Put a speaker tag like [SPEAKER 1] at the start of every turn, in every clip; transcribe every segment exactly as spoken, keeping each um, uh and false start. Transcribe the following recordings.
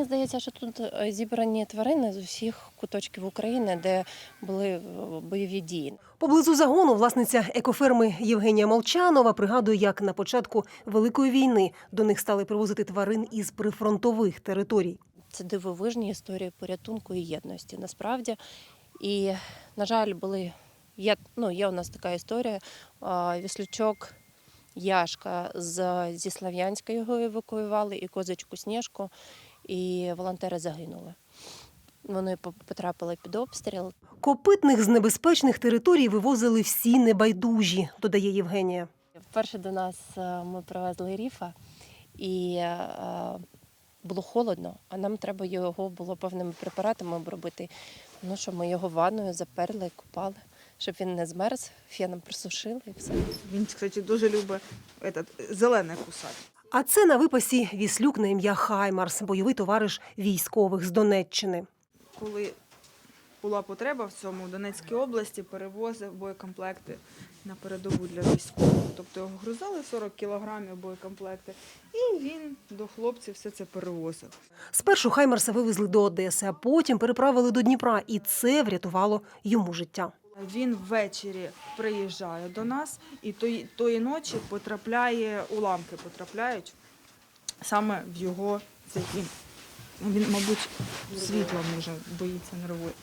[SPEAKER 1] Мені здається, що тут зібрані тварини з усіх куточків України, де були бойові дії.
[SPEAKER 2] Поблизу загону власниця екоферми Євгенія Молчанова пригадує, як на початку Великої війни до них стали привозити тварин із прифронтових територій.
[SPEAKER 1] Це дивовижні історії порятунку і єдності, насправді. І, на жаль, були, є, ну, є у нас така історія, віслючок Яшка з, зі Слов'янська його евакуювали, і козочку Снежку, і волонтери загинули. Вони потрапили під обстріл.
[SPEAKER 2] Копитних з небезпечних територій вивозили всі небайдужі, додає Євгенія.
[SPEAKER 1] Вперше до нас ми привезли ріфа, і було холодно, а нам треба його було певними препаратами обробити. Ну що, ми його ванною заперли, купали, щоб він не змерз, феном присушили і все.
[SPEAKER 3] Він, кстати, дуже любить этот, зелене кусати.
[SPEAKER 2] А це на випасі віслюк на ім'я Хаймарс, бойовий товариш військових з Донеччини.
[SPEAKER 3] Коли була потреба в цьому, в Донецькій області перевозив боєкомплекти на передову для військових. Тобто його грузили сорок кілограмів боєкомплекти, і він до хлопців все це перевозив.
[SPEAKER 2] Спершу Хаймарса вивезли до Одеси, а потім переправили до Дніпра, і це врятувало йому життя.
[SPEAKER 3] Він ввечері приїжджає до нас, і тої, тої ночі потрапляє, уламки потрапляють саме в його цей він. Він, мабуть, світла може, боїться, нервує.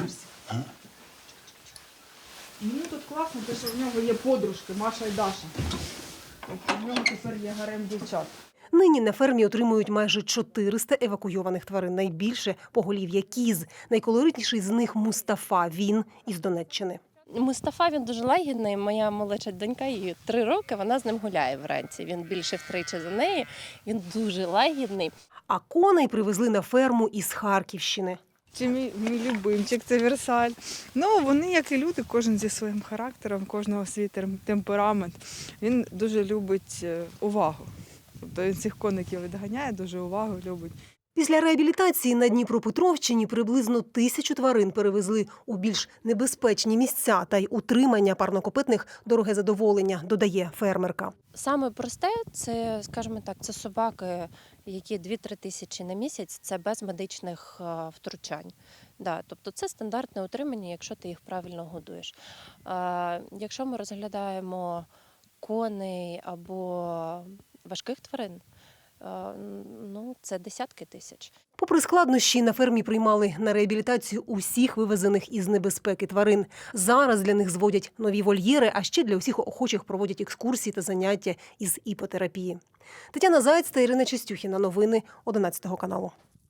[SPEAKER 3] Мені тут класно, те, що в нього є подружки, Маша і Даша. Тобто в нього тепер є гарем дівчат.
[SPEAKER 2] Нині на фермі отримують майже чотириста евакуйованих тварин. Найбільше – поголів'я кіз. Найколоритніший з них – Мустафа. Він із Донеччини.
[SPEAKER 1] Мустафа, він дуже лагідний. Моя молодша донька, їй три роки, вона з ним гуляє вранці. Він більше втричі за неї, він дуже лагідний.
[SPEAKER 2] А коней привезли на ферму із Харківщини.
[SPEAKER 3] Це мій, мій любимчик, це Версаль. Ну, вони, як і люди, кожен зі своїм характером, кожного свій темперамент. Він дуже любить увагу. Тобто він цих коників відганяє, дуже увагу любить.
[SPEAKER 2] Після реабілітації на Дніпропетровщині приблизно тисячу тварин перевезли у більш небезпечні місця, та й утримання парнокопитних – дороге задоволення, додає фермерка.
[SPEAKER 1] Саме просте – це, скажімо так, це собаки, які дві-три тисячі на місяць, це без медичних втручань. Да, тобто це стандартне утримання, якщо ти їх правильно годуєш. А, якщо ми розглядаємо коней або важких тварин, ну, це десятки тисяч.
[SPEAKER 2] Попри складнощі, на фермі приймали на реабілітацію усіх вивезених із небезпеки тварин. Зараз для них зводять нові вольєри, а ще для усіх охочих проводять екскурсії та заняття із іпотерапії. Тетяна Заєць та Ірина Чистюхіна. Новини одинадцятого каналу.